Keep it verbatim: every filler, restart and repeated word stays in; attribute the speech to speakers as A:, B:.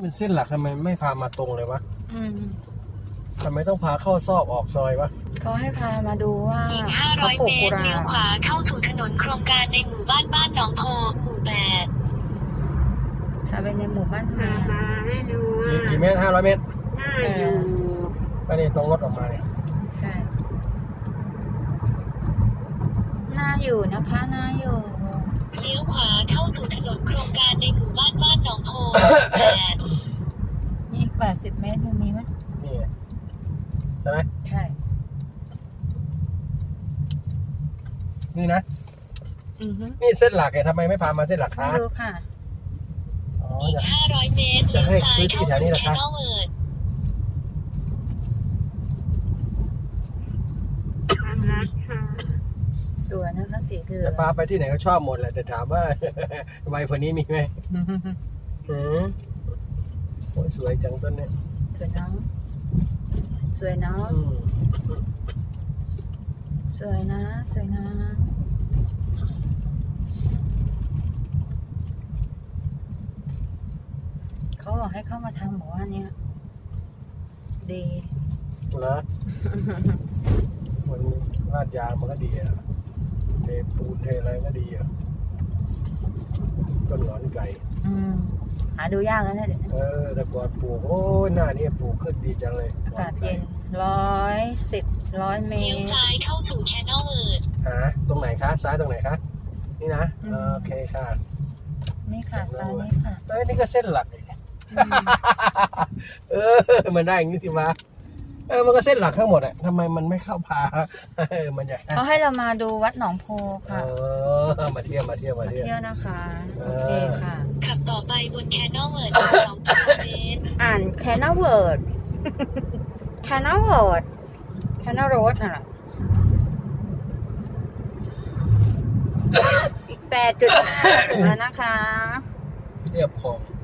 A: มันเส้นหลักทำไมไม่พามาตรงเลยวะ
B: อืม
A: ทำไมต้องพาเข้าซอกออกซอยวะ
B: เขาให้พามาดูว่า
C: อีก ห้า
B: เขา
C: ร้อย
B: ปลู
C: เม
B: กกุ
C: ตร
B: หลา
C: เลี้ยว
B: บ
C: ขวาเข้าสู่ถนนโครงการในหมู่บ้านบ้านหนองโพหมู่แปด
B: ถ้าเป็นในหมู่บ้านทำไม
D: มา
B: อะ
D: ให้ดู
A: กี่กี่เมตรห้าร้อยเมตร
D: หน้าอยู่
A: ก็นี่ตรงรถออกมาเนี่ย
B: ใช่น่าอยู่นะคะน่าอยู่
C: เลี้ยวขวาเข้าสู่ถนนโครงการในหมู่บ้านบ้านหนองโพแปด
B: นี่อีกแปดสิบเมตรยังมีไหม
A: นี่ไงใช่ไหม
B: ใช่
A: นี่นะ
B: อือฮึ
A: นี่เส้นหลักไงทำไมไม่พามาเส้นหลัก
B: ไม่
A: คะ
B: รู้ค่ะ
A: อ๋อ
C: อีก
A: จะ
C: ห้าร้อยเมตรเลี้ยวซ้ายเข้าสู่แคนอลเวิร์ด
D: ความรักค่ะ
B: สวยนะคะสีเหลือ
A: จะ
B: ง
A: พาไปที่ไหนก็ชอบหมดแหละแต่ถามว่า ไวกว่านี้มีไหมหืมโอ้ยสวยจังต้นเนี่ย
B: สวยเน้องสวยเน้อง
A: อืม
B: สวยนะสวยนะเขาบอกให้เข้ามาทางหมู่บ้านเนี้ยดี
A: นะมันลาดยางมันก็ดีอะเทปูนเทอะไรก็ดีอะต้นหงอนไก่
B: อืมหาดูยากแล้วเนี่ยเดี๋ยวนี้
A: เออแต่ก่อนปลูกโอ้ยหน้านี่ปลูกขึ้นดีจังเลย
B: อากาศเย็นร้อยสิบร้อยเม
C: เลี้ยว
B: ตร
C: ซ้ายเข้าสู่แคนอลเวิร์ด
A: หาตรงไหนคะซ้ายตรงไหนคะนี่นะ
B: อืม
A: เออโอเคค่ะ
B: นี่ค่ะซ้ายนี่ค่ะ
A: เอ้ยนี่ก็เส้นหลักอีก
B: อืม
A: เออมันได้อย่างนี้สิวะเออมันก็เส้นหลักทั้งหมดอะทำไมมันไม่เข้าพาเออมันจะ
B: เขาให้เรามาดูวัดหนองโพ
A: เอ
B: ค่ะ
A: อมาเที่ยวมาเที่ยวมา
B: มา
A: เที่ยว
B: เที่ยวนะคะ
A: เอ
B: โอ
A: อ
B: เคค่ะ
C: ขับต่อไปบนแคนอลเวิร์ดสองกิโลเมตร
B: อ่านแคนนาเวิร์ดแคนนาเวิร์ดแคนนาโรดน่ะอีกแปดจุดห้าถึงแล้วนะคะ
A: เรียบคลอง